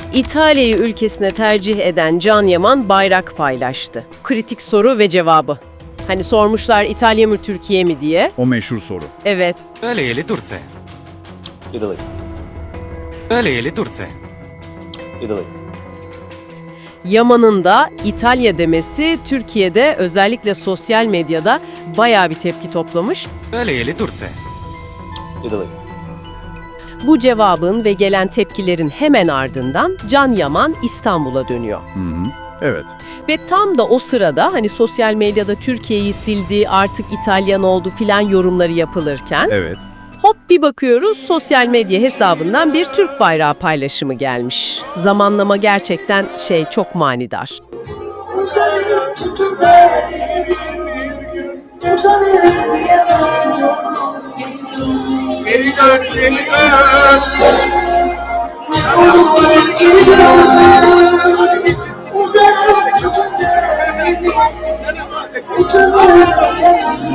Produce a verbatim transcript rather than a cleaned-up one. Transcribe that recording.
İtalya'yı ülkesine tercih eden Can Yaman bayrak paylaştı. Kritik soru ve cevabı. Hani sormuşlar İtalya mı Türkiye mi diye. O meşhur soru. Evet. Öyleyeli Turce. Italy. Öyleyeli Turce. Italy. Yaman'ın da İtalya demesi Türkiye'de özellikle sosyal medyada bayağı bir tepki toplamış. Öyleyeli Turce. Italy. Bu cevabın ve gelen tepkilerin hemen ardından Can Yaman İstanbul'a dönüyor. Hı hı. Evet. Ve tam da o sırada hani sosyal medyada Türkiye'yi sildi, artık İtalyan oldu filan yorumları yapılırken Evet. hop bir bakıyoruz sosyal medya hesabından bir Türk bayrağı paylaşımı gelmiş. Zamanlama gerçekten şey çok manidar. Uzanıyor tutun beni bir gün, utanıyorum yalan. Geri dön, geri dön. Olur geri dön. Uzanıyor tutun beni, utanıyorum yalan.